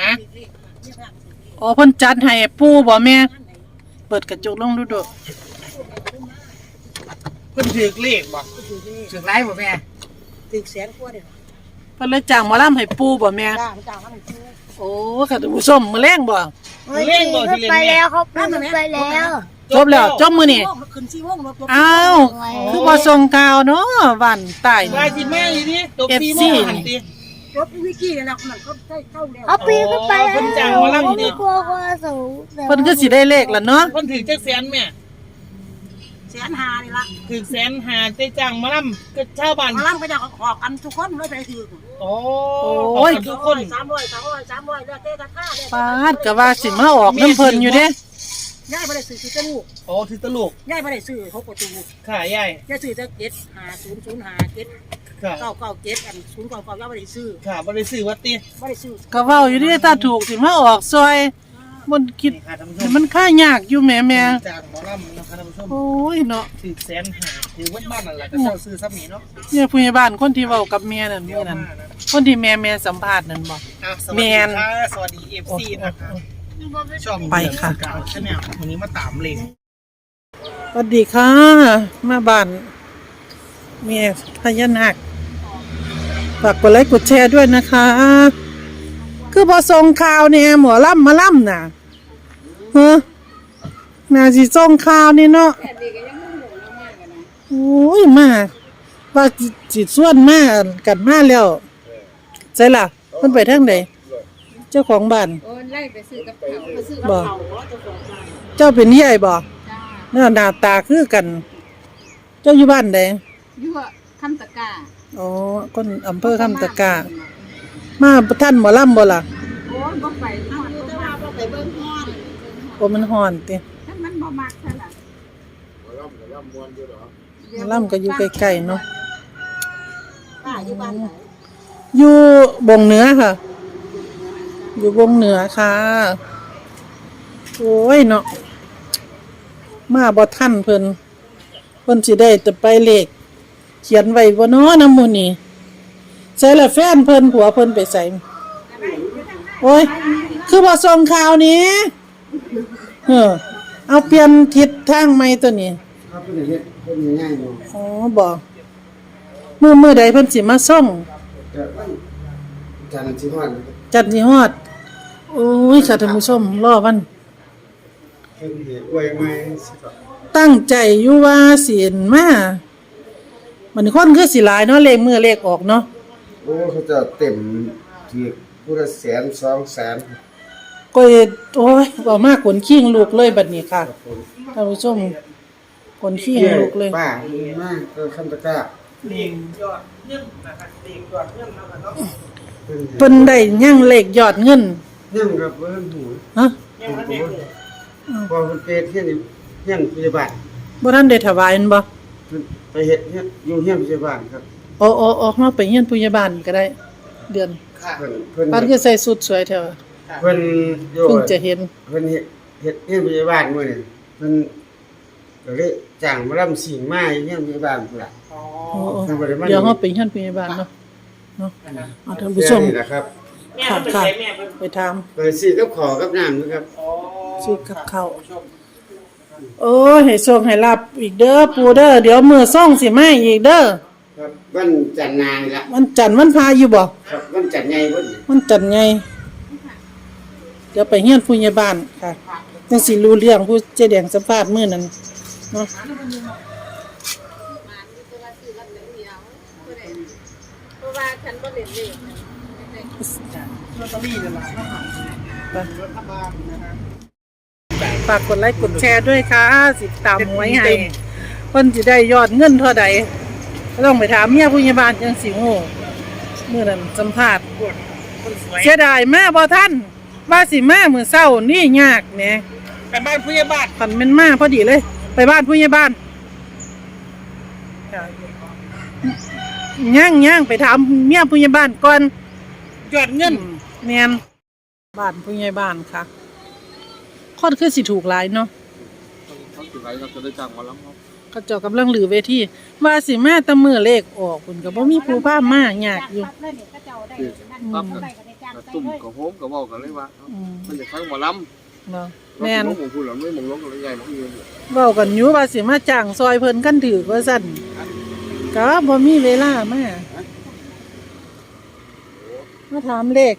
ฮะอ๋อเพิ่นจัดให้ปู่บ่แม่เปิดกระจกลงดูดูเพิ่นถือเลขบ่ถือไรบ่แม่ถึงแสนกว่าเด้อเพิ่นเลยจ้างหมอลำให้ปู่บ่แม่จ้างมาให้ซื้อโอ้ค่ะท่านผู้ชมมื้อแลงบ่เลขบ่ที่เล่นไปแม่แล้วเขาไปแล้วจบแล้วจบมื้อนี้ขึ้น4 โมงรถอ้าวคือบ่ส่งข่าวเนาะวันใต้ว่าสิแม่อยู่นี่ตบ4 โมงหันติรถวิกกี้นั่นน่ะมันก็ได้เข้าแล้วเขาปีนขึ้นไปแล้วเพิ่นจ้างมาลั่งนี่กลัวสูงเพิ่นคือสิได้เลขล่ะเนาะเพิ่นถือจักแสนแม่แสนหานี่ล่ะถือแสนหาได้จ้างมาล่ำก็ชาวบ้านมาล่ำก็จะขอกันทุกคนเลยไปถือโอ้ยทุกคน 300แล้วแต่ราคาเลยปาดก็ว่าสิมาออกน้ำเพิ่นอยู่เด้ยายบ่ได้ซื้อตะลูกโอ้ถือตลกยายบ่ได้ซื้อ6ประตูค่ะยายยายซื้อแต่75005 ค่ะ 7 997อัน099ยายบ่ได้ซื้อค่ะบ่ได้ซื้อวัดติบ่ได้ซื้อก็เว้าอยู่เด้ถ้าถูกสิมาออกซอยมันคิดนี่ค่ะท่านผู้ชให้มมันค่ายากอยู่แหม่จ้างหมอลำนะคะท่านผู้ชมโอ้ยเนาะถือแสนหาถือวัดบ้านนั่นแหละก็เช่าซื้อซ้ำนี่เนาะเนี่ยผู้ใหญ่บ้านคนที่เว้ากับเมียนั่นมื้อนั้นคนที่แม่สัมภาษณ์นั่นบ่สวัสแมดีนค่ะสวัสดี FC นะคะช่องไปค่ะกาวชาแนลวันนี้มาตามเลขสวัสดีค่ะ มาบ้านเมียพญานาคฝากกดไลค์กดแชร์ด้วยนะคะ คือพอส่งข่าวเนี่ยหมอล่ำมาล่ำน่ะเฮ้อน่าสิส่งข่าวนี่เนาะโอ้ยมาว่าจิตส่วนมากันมาแล้วใช่ล่ะมันไปทางไหนเจ้าของบ้านโอ้ยไล่ไปซื้อกับเขาไปซื้อบ่เขาเจ้าของบ้านเจ้าเป็นใหญ่บ่จ้าเนาะหน้าตาคือกัน เจ้าอยู่บ้านใดยั่วคำตะกร้าอ๋อคนอำเภอคำตะกามาท่านหมอลำบ่ล่ะโอ้ยบ่ไปทอดแต่ว่าบ่ไปเบิ่งฮ้อนโอ้มันฮ้อนติถ้ามันบ่มักเท่าไหร่หมอลำก็อยู่ใกล้ๆเนาะป้าอยู่บ้านไหนอยู่บงเหนือค่ะ อยู่บงเหนือค่ะ โอ้ยเนาะมาบ่ทันเพิ่นสิได้จะไปเลขเขียนไว้บ่เนาะนำหมู่นี้ใส่ละแฟนเพิ่นผัวเพิ่นไปใส่โอ้ยคือบ่ส่งข่าวนี้เอาเปลี่ยนทิศทางใหม่ตัวนี้ครับเพิ่นเฮ็ดเพิ่นง่ายๆอยู่อ๋อบ่มื้อใดเพิ่นสิมาส่งแต่ว่าจันทร์สิฮอดจัดสิฮอดโอ้ยค่ะท่านผู้ชมรอวันเพิ่นสิอวยใหม่สิครับตั้งใจอยู่ว่าสิมามันคนคือสิหลายเนาะเลขมื้อเลขออกเนาะโอ้เขาจะเต็มที่ผู้ละแสน2แสนก็โอ้ยบ่มากขนขิงลูกเลยบัดนี้ค่ะท่านผู้ชมขนขิงลูกเลยป้ามาก็คำตะกร้าเลขยอดเงินนะคะเลขยอดเงินนะคะเนาะเพิ่นเพิ่นได้ยังเลขยอดเงินยังครับเพิ่นหูฮะยังมันเด็กพอเพิ่นไปเฮ็ดเฮียนพยาบาลบ่ทันได้ถวายมันบ่เพิ่นไปเฮ็ดเฮียนอยู่เฮียนพยาบาลครับอ๋อๆๆเฮาไปเฮียนผู้ใหญ่บ้านก็ได้ เดือนเพิ่นบ้านคือใส่สุดสวยแท้ว่ะเพิ่นอยู่เพิ่งจะเห็นเพิ่นเฮ็ดเฮียนพยาบาลมื้อนี้เพิ่นก็เลยจ้างหมาลำสิงมาอยู่เฮียนพยาบาลพุ่นล่ะอ๋อโอ้ทางบริษัทเดี๋ยวเฮาไปเฮียนผู้ใหญ่บ้านเนาะเอาท่านผู้ชมนี่นะครับแม่มันเป็นใครแม่เป็นไปถามไปซื้อกับขอกับน้ำนะครับอ๋อซื้อกับข้าว โอ้ยให้โชคให้ลาภอีกเด้อปู่เด้อเดี๋ยวมื้อส่งสิมาอีกเด้อครับวันจันทร์นางละวันจันทร์วันพาอยู่บ่ครับวันจันทร์ใหญ่พุ่นวันจันทร์ไงเดี๋ยวไปเฮียนผู้ใหญ่บ้านค่ะจังสิรู้เรื่องผู้เจ๊แดงสัมภาษณ์มื้อนั้นเนาะเพราะว่าฉันบ่เล่นเลขลอตเตอรี่เนี่ยล่ะไปรัฐบาลนะฮะฝากกดไลค์กดแชร์ด้วยค่ะสิตามหวยให้เพิ่นสิได้ยอดเงินเท่าใดก็ต้องไปถามเมียผู้ใหญ่บ้านจังสิฮู้มื้อนั้นสัมภาษณ์คนสวยเสียดายมาบ่ทันว่าสิมามื้อเช้านี่ยากแหมไปบ้านผู้ใหญ่บ้านคันแม่นมาพอดีเลย ไปบ้านผู้ใหญ่บ้านย่างไปถามเมียผู้ใหญ่บ้านก่อนยอดเงินแม่นบ้านผู้ใหญ่บ้านค่ะคนคือสิถูกหลายเนาะเขาถือไว้เราจะได้จ้างหมอลำครับเขาเจ้ากำลังลือเวทีว่าสิมาแต่มื้อเลขออกเพิ่นก็บ่มีผู้พามายากอยู่เลยเนี่ยก็เจ้าได้นั่นได้ก็ได้จ้างตุ่มกับโฮมกับเว้ากันเลยว่ามันจะฟังหมอลำเนาะแม่นผมพูดแล้วไม่มองลงกันเลยใหญ่มากเลยเว้ากันอยู่ว่าสิมาจ้างซอยเพิ่นกันถือว่าซั่นก็บ่มีเวลามาถามเลข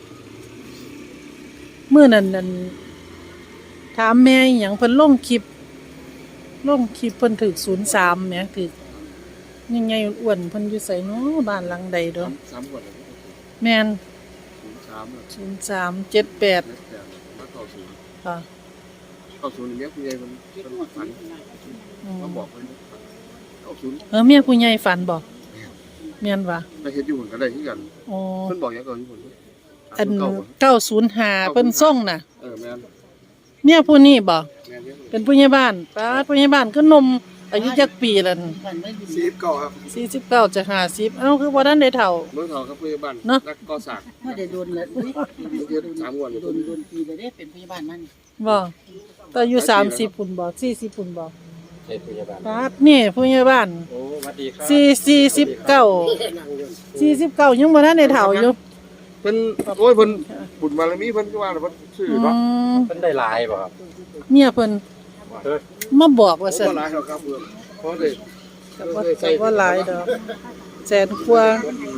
มื้อนั้นนั่นถามแม่อิหยังเพิ่นลงคลิปเพิ่นถึก03แหมถึกใหญ่ๆอ้วนๆเพิ่นอยู่ไสเนาะบ้านหลังใดดอก 3 ก่อนแม่น 03 0378 มาต่อศูนย์ค่ะต่อศูนย์เมียผู้ใหญ่มันฝันมาบอกมันต่อศูนย์เมียผู้ใหญ่ฝันบ่แม่นว่าไปเฮ็ดอยู่หุ่นก็ได้คือกันอ๋อเพิ่นบอกอย่างก่อนอยู่หุ่นอัน905เพิ่นส่งน่ะแม่นเมียผู้นี้บ่แม่นเป็นผู้ใหญ่บ้านป้าผู้ใหญ่บ้านก็นมอายุจักปีแล้ว 49ครับ 49จะ50เอ้าคือบ่ทันได้เฒ่าเมืองทองครับผู้ใหญ่บ้านนักก่อสร้างไม่ได้โดนเลยอุ้ยเฮ็ด3 วันโดนปีเลยเด้เป็นพยาบาลมันบ่แต่อายุ30พุ่นบ่40พุ่นบ่ใช่ผู้ใหญ่บ้านป้านี่ผู้ใหญ่บ้านโอ้สวัสดีครับ 49ยังบ่ทันได้เฒ่าอยู่เพิ่นโอ้ยเพิ่นบุญบารมีเพิ่นก็ว่าเพิ่นชื่อเนาะเพิ่นได้หลายบ่ครับเมียเพิ่นมาบอกว่าซั่นบ่หลายครับเพิ่นเพราะได้ก็บ่หลายดอกแสนกว่า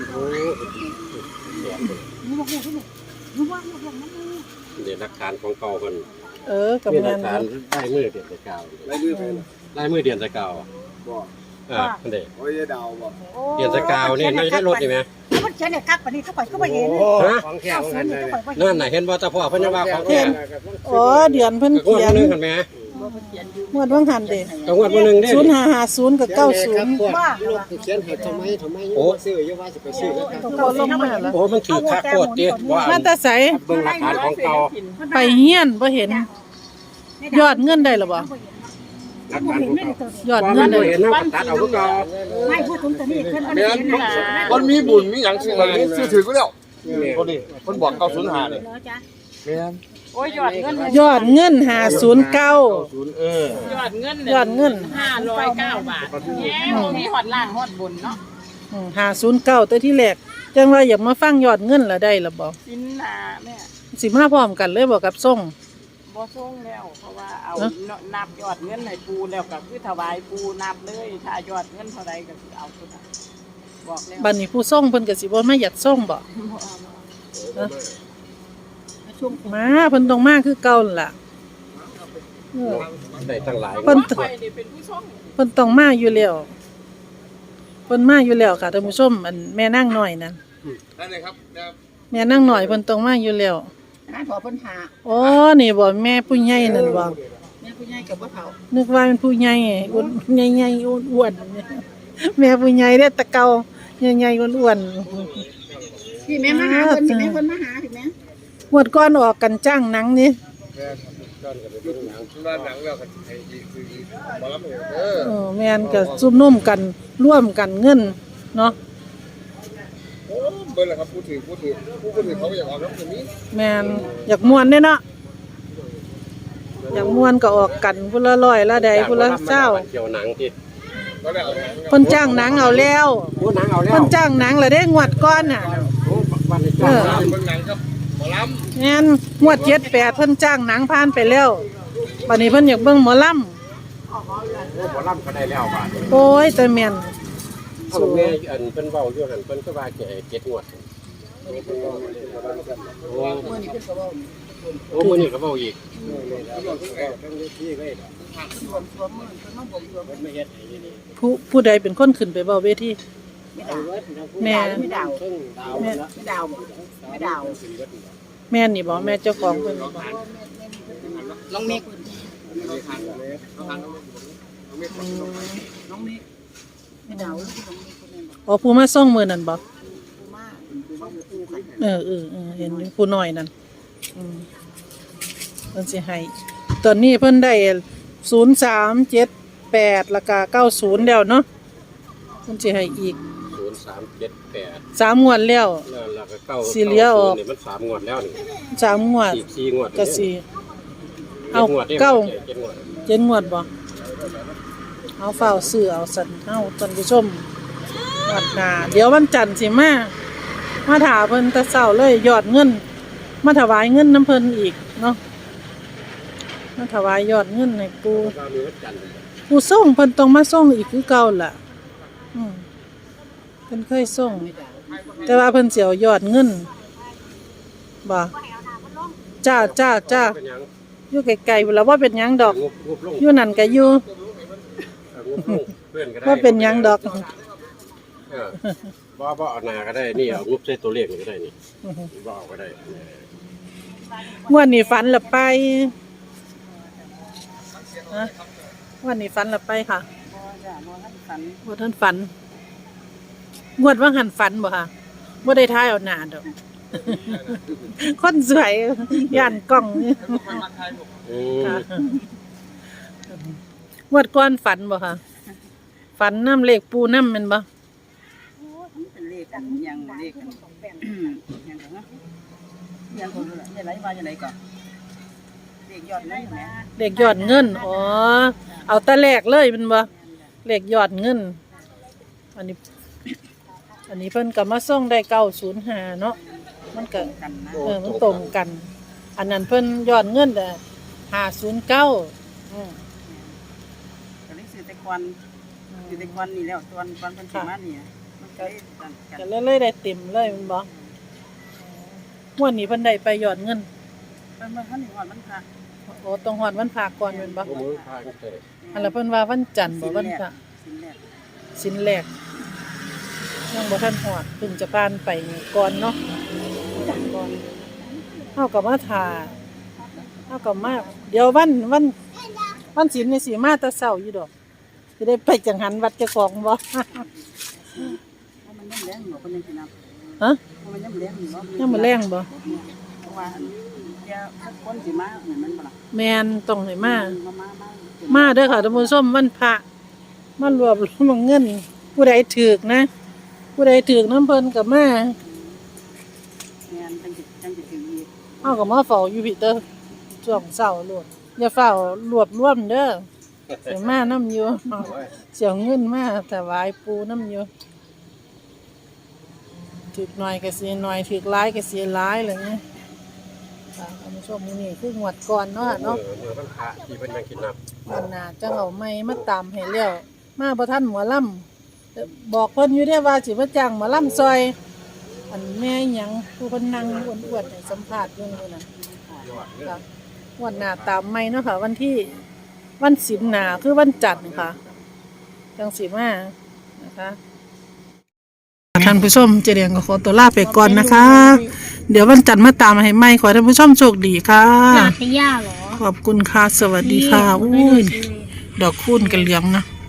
เดี๋ยวหลักฐานของเก่าเพิ่นก็มีหแม่ลักนฐานได้มือเดือนตะเก่าได้มือเพิ่นได้มือเดือนตะเก่าบ่เพิ่นได้โอ้ยดาวบ่เดือนตะเก่านี่น่าจะได้รถนี่แหมมันเขียนเนี่ยกักปานนี้เขาปล่อยก็ไม่เห็นฮะของแข็งกันเลยนั่นน่ะเห็นบ่ตาพ่อเพิ่นยังว่าของแท้อ๋อเดือนเพิ่นก็งวเขีดยนนึงกันแหมงวดว่างหันเด้ก็งวดมื้อนึงเด้ 0550กับ90 ว่าเขียนให้ทำไมซื้ออยู่ว่าสิไปซื้อแล้วครับก็ลงมาแล้วโอ้มันถือคักโคตรติว่ามาแต่ไสเบิ่งหลักฐานของเก่าไปเฮียนบ่เห็น ยอดเงินได้หรอบ่หลักฐานของเก่ายอดบ่เงินได้เห็นเฮาก็ตัดเอาคือเก่าไม่พูดถึงตัวนี้เพิ่นแม่นมันมีบุญมีหยังซื้อมันซื้อถือก็แล้วคนนี้เพิ่นบอก905นี่เหรอจ๊ะแม่นโอ้ยยอดเงินยอดเงิน509 90 ยอดเงินยอดเงิน 509 บาทแย่บ่มีฮอดล่างฮอดบนเนาะ 509แต่ที่แรกจังว่าอยากมาฟังยอดเงินละได้ละบ่สินนาแม่สิมาพร้อมกันเลยบ่กับส่งบ่ส่งแล้วเพราะว่าเอานับยอดเงินให้ปูแล้วก็คือถวายปูนับเลยถ้ายอดเงินเท่าใดก็สิเอาเท่านั้นบอกแล้วบัดนี้ผู้ส่งเพิ่นก็สิบ่มาอยากส่งบ่มาเพิ่นต้องมาคือเก่านั่นล่ะได้ตั้งหลายเพิ่นข่อยนี่เป็นผู้ส่งเพิ่นต้องมาอยู่แล้วเพิ่นมาอยู่แล้วค่ะท่านผู้ชมอันแม่นางน้อยนั่นนั่นเลยครับแม่นางน้อยเพิ่นต้องมาอยู่แล้วนั่นพอเพิ่นหาอ๋อนี่บ่แม่ผู้ใหญ่นั่นบ่แม่ผู้ใหญ่กับบ่เฒ่านึกว่าเป็นผู้ใหญ่อ้วนใหญ่ๆอ้วนๆแม่ผู้ใหญ่เด้อตะเกาใหญ่ๆอ้วนพี่แม่มาหาเพิ่นพี่แม่เพิ่นมาหาพี่แม่ๆงวดก่อนออกกันจ้างหนังนี่บ้านหนังแล้วก็ให้ดีคือบ่รับแม่นก็ซุ่มนุ่มกันร่วมกันเงินเนาะโอ้เบิ่นล่ะครับผู้ถือเขาอยากออกแล้วตรงนี้แม่นอยากม่วนเด้เนาะอยากม่วนก็ออกกันผู้ละร้อยละใดผู้ละ20 เกี่ยวหนังที่ก็ได้เอาเพิ่นจ้างหนังเอาแล้วโอ้หนังเอาแล้วเพิ่นจ้างหนังแล้วเด้งวดก่อนน่ะโอ้บ้านนี้จ้างหนังเบิ่งหนังครับหมอลแม่นงวด78เพิ่นจ้างหนังผ่านไปแล้วบัดนี้เพิ่นอยากเบิ่งหมอลำโอ้บ่ล่ำก็ได้แล้วบาดนี้โอ้ยแต่แม่นเอาแม่อันเพิ่นเว้าอยู่หั่นเพิ่นก็ว่าจะให้7งวดโอ้มื้อนี้ก็เว้าอีกผู้ใดเป็นคนขึ้นไปเว้าเวทีแม่ไม่ดาวแม่ไม่ดาวไม่ดาวแม่นี่บ่แม่เจ้าของเพิ่นน้องเมฆ ไม่ดาวลูกน้องเมฆคนนั้นบอกอ๋อผู้มาส่งมื้อนั้นบ่กูมากูกันเห็นอยู่ผู้น้อยนั่นเพิ่นสิให้ตอนนี้เพิ่นได้0378แล้วก็90แล้วเนาะเพิ่นสิให้อีก 0378 3งวดแล้วแล้วก็เก้าสิเหลือออกนี่มัน3งวดแล้วนี่ 3งวดอีก4งวดก็สิเอา 7งวดเก้า 7งวด 7งวดบ่เอาเฝ้าซื้อเอาสั่นเฮาท่านผู้ชมงวดหน้าเดี๋ยววันจันทร์สิมามาถาเพิ่นแต่เช้าเลยยอดเงิน มาถวายเงินน้ำเพิ่นอีกเนาะมาถวายยอดเงินให้ปู่ก็มีวัดจันทร์ผู้ส่งเพิ่นต้องมาส่งอีกคือเก่าล่ะเพิ่นเคยส่งแต่ว่าเพิ่นสิเอายอดเงินบ่จ้าเป็นหยังอยู่ไกลๆพุ่นล่ะว่าเป็นหยังดอกงบลงอยู่นั่นก็อยู่งบลงเพื่อนก็ได้ว่าเป็นหยังดอกบ่เอาหน้าก็ได้นี่เอางบใส่ตัวเลขนี่ก็ได้นี่บ่เอาก็ได้งวดนี้ฝันละไปฮะงวดนี้ฝันละไปค่ะบ่จ้ะบ่ทันฝันบ่ทันฝันงวดว่าหันฝันบ่ค่ะบ่ได้ทายเอาหน้าดอก คนสวยย่านกล้องนี่อืมค่ะงวดก่อนฝันบ่ค่ะฝันน้ำเลขปูน้ำแม่นบ่มันเป็นเลขอันหยังเลขอันหยังเนาะยังคนได้ไรว่าจังได๋ก่อนเลขยอดเงินแหมเลขยอดเงินอ๋อเอาแต่แรกเลยแม่นบ่เลขยอดเงินอันนี้เพิ่นก็มาส่งได้905เนาะมันก็กันนะมันตรงกัน อันนั้นเพิ่นยอดเงินแต่509อืมก็เลยซื้อแต่ควันนี่แล้วตอนเพิ่นสิมานี่มันก็เลยกันกันก็เลยได้เต็มเลยแมันบ่ม่วนนี้เพิ่นได้ไปยอดเงินเพิ่นมาทันนี่ฮอดมันค่ะโอ้ต้องฮอดวันพระก่อนแม่นบ่บ่มือพากันเตะอันละเพิ่นว่าวันจันทร์บ่วันพระสิ้นแรกสินแรกยังบ่ทันฮอดเพิ่งจะผ่านไปก่อนเนาะก่อนเฮาก็มาถ่าเฮาก็มาเดี๋ยววันศีลนี่สิมาแต่เช้าอยู่ดอกสิได้ไปจังหันวัดเจ้าของบ่เพราะมันยังแรงอยู่เพิ่นยังสินับฮะเพราะมันยังแรงอยู่บ่ยังบ่แรงบ่เพราะว่าแกคนสิมาเหมือนมันบ่ล่ะแม่นต้องให้มามาเด้อค่ะท่านผู้ชมวันพระมารวบรวมเงิน ผู้ใดถูกนะ ผู้ใดถูกน้ำเพิ่นก็มาแม่นจังสิถึงอีกเฮาก็มาเฝ้าอยู่พี่เด้อช่วงเช้าโลดอย่าเฝ้ารวบรวมเด้อสิมานํอยู่เสียเงินมาถวายปู่นํอยู่ถูกหน่อยก็สิหน่อยถูกหลายก็สิหลายเลยนี่ค่ะท่านผู้ชมมื้อนี้คืองวดก่อนเนาะเนาะเมื่อวันพระที่เพิ่นยังกินน้ำมันน่าจะเอาไม่มาตามให้แล้วมาบ่ทันหมอลำบอกเพิ่นอยู่เด้ว่าสิมาจ้างหมอลำซอย อันแม่หยังผู้เพิ่นนั่งอ้วนๆให้สัมภาษณ์อยู่นั่นน่ะค่ะวันหน้าตามไม่เนาะค่ะ วันศีลหน้าคือวันจันทร์ค่ะจังสิมานะคะท่านผู้ชมเจเรียงก็ขอตัวลาไปก่อนนะคะ เดี๋ยววันจันทร์มาตามให้ใหม่ขอให้ท่านผู้ชมโชคดีค่ะหนาพย่าเหรอขอบคุณค่ะ สวัสดีค่ะอุ้ยดอกคูณกันเหลืองนะ